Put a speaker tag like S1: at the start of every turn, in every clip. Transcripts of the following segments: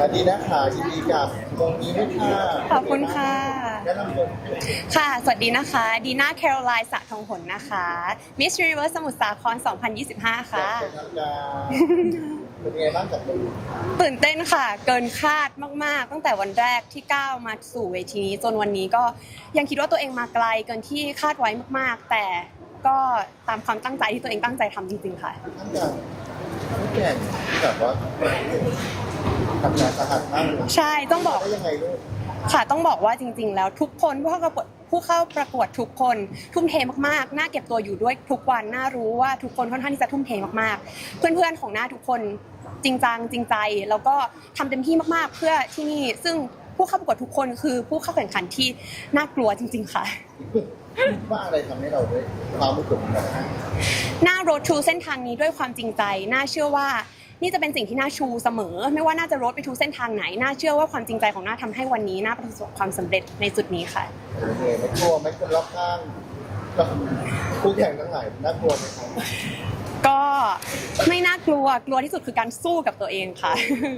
S1: วัสดีนะคะยินดีกับวงนี้ด้วยค่ะ
S2: ขอบคุณค่ะ
S1: แนะนำตัว
S2: ค่ะ สวัสดีนะคะดีน่าแคโรไลน์สะทองหนนะคะ Miss Universe สมุทรสาคร 2025 ค่ะ
S1: เป็นทางการเป็นไงบ้างกับมือ
S2: ตื่นเต้นค่ะ เกินคาดมากๆ ตั้งแต่วันแรกที่ก้าวมาสู่เวทีนี้จนวันนี้ก็ยังคิดว่าตัวเองมาไกลเกินที่คาดไว้มากๆ แต่ก็ตามความตั้งใจที่ตัวเองตั้งใจทำจริงๆค่ะ
S1: ท่านอย่างผู้แข่งที่แบบว่าทำงานสาหัสมากเลย
S2: ใช่ต้องบอก
S1: ได้ยังไงลูก
S2: ค่ะต้องบอกว่าจริงๆแล้วทุกคนผู้เข้าประกวดทุกคนทุ่มเทมากๆน่าเก็บตัวอยู่ด้วยทุกวันน่ารู้ว่าทุกคนค่อนข้างที่จะทุ่มเทมากๆเพื่อนๆของหน้าทุกคนจริงจังจริงใจแล้วก็ทำเต็มที่มากๆเพื่อที่นี่ซึ่งผู้เข้าประกวดทุกคนคือผู้เข้าแข่งขันที่น่ากลัวจริงๆค่ะ
S1: ว่าอะไรทำให้เราได้ความรู้สึกแบบนั้น
S2: หน้า road to เส้นทางนี้ด้วยความจริงใจน่าเชื่อว่านี่จะเป็นสิ่งที่น่าชูเสมอไม่ว่าน่าจะ road ไป to เส้นทางไหนน่าเชื่อว่าความจริงใจของน่าทำให้วันนี้น่าประสบความสำเร็จในจุดนี้ค่ะ
S1: เป็นไงไม่กลัวไหม่คนรอบข้างกับผู้แข่งทั้งหลายน่ากลัวไหมครับ
S2: ก็ไม่น่ากลัวกลัวที่สุดคือการสู้กับตัวเองค่ะ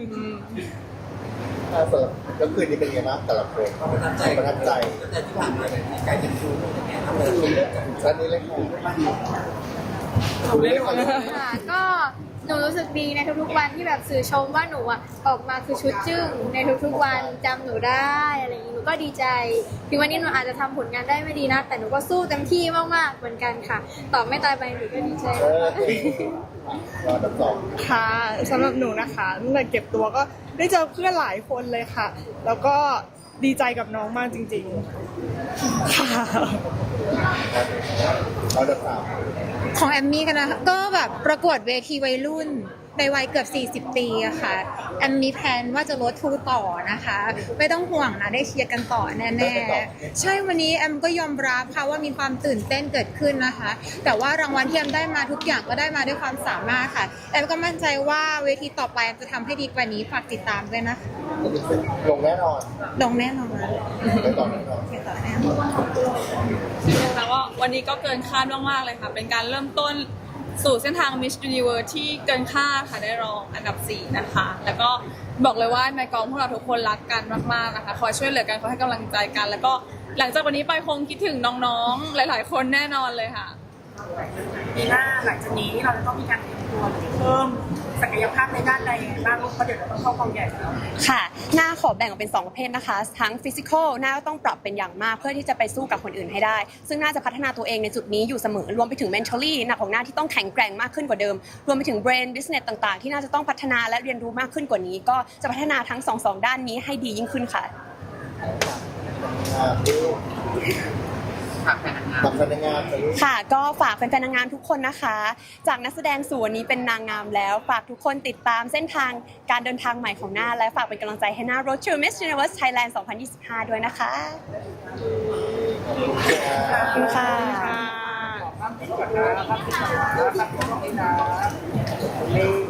S1: สำหรับก็คือนี่เป็นไงบ้างแต่ละคนประทับใจ
S3: แต่ที่ผ่านมาเนี่ยการจะดูอย่างเงี้ยทำเลย
S1: ชั้นนี้เลยค่ะคุณเล่นก่อนเลย
S4: ค่ะก็หนูรู้สึกดีในทุกๆวันที่แบบสื่อชมว่าหนูอ่ะออกมาคือชุดจึ้งในทุกๆวันจำหนูได้อะไรอย่างนี้หนูก็ดีใจถึงวันนี้หนูอาจจะทำผลงานได้ไม่ดีนะแต่หนูก็สู้เต็มที่มากๆเหมือนกันค่ะต่อไม่ตายไปหนูก็ดีใจ
S1: รอดับสอง
S5: ค่ะสำหรับหนูนะคะตั้งแต่เก็บตัวก็ได้เจอเพื่อนหลายคนเลยค่ะ แล้วก็ดีใจกับน้องมากจริงๆค่ะ
S1: รอดับสาม
S6: ของแอมมี่กันนะคะก็แบบประกวดเวทีวัยรุ่นในวัยเกือบ 40 ปีอะค่ะแอมมีแพลนว่าจะลดทูต่อนะคะ ไม่ต้องห่วงนะได้เชียร์กันต่อแน่ๆใช่วันนี้แอมก็ยอมรับค่ะว่ามีความตื่นเต้นเกิดขึ้นนะคะ แต่ว่ารางวัลที่แอมได้มาทุกอย่างก็ได้มาด้วยความสามารถค่ะแอมก็มั่นใจว่าเวทีต่อไปแอมจะทำให้ดีกว่านี้ฝากติดตามด้วยนะคะ
S1: ลงแน่นอน
S6: ลงแน่นอน
S1: ไปต่อแน่นอน
S6: ไปต่อแน่นอน
S7: แล้วก็วันนี้ก็เกินคาดมากๆเลยค่ะ เป็นการเริ่มต้นสู่เส้นทาง Miss Universe ที่เกินคาดค่ะได้รองอันดับ 4 นะคะ แล้วก็บอกเลยว่าในกองพวกเราทุกคนรักกันมากๆนะคะคอยช่วยเหลือกันคอยให้กำลังใจกัน แล้วก็หลังจากวันนี้ไปคงคิดถึงน้องๆ หลายๆ คนแน่นอนเลยค่ะ
S8: ปีหน้าหลังจากนี้เราจะต้องมีการเตรียมตัวเพิ่มศักยภาพในด้านใดบ้างเพราะเดี๋ยวเราต้องเข้ากองใหญ่แล้ว
S2: ค่ะหน้าขอแบ่งออกเป็น2ประเภทนะคะทั้งฟิสิกอลหน้าก็ต้องปรับเป็นอย่างมากเพื่อที่จะไปสู้กับคนอื่นให้ได้ ซึ่งน่าจะพัฒนาตัวเองในจุดนี้อยู่เสมอรวมไปถึง mentally หน้าของหน้าที่ต้องแข็งแกร่งมากขึ้นกว่าเดิมรวมไปถึง brain business ต่างๆที่น่าจะต้องพัฒนาและเรียนรู้มากขึ้นกว่านี้ก็จะพัฒนาทั้งสองด้านนี้ให้ดียิ่งขึ้นค่ะ
S1: บัตรพนักงานไปลูก
S2: ค่ะก็ฝากแฟนๆนางงามทุกคนนะคะ จากนักแสดงสู่วันนี้เป็นนางงามแล้ว ฝากทุกคนติดตามเส้นทางการเดินทางใหม่ของหน้า และฝากเป็นกำลังใจให้หน้า Road to Miss Universe Thailand 2025 ด้วยนะคะขอบคุณค่ะ
S8: ขอบคุณค่ะ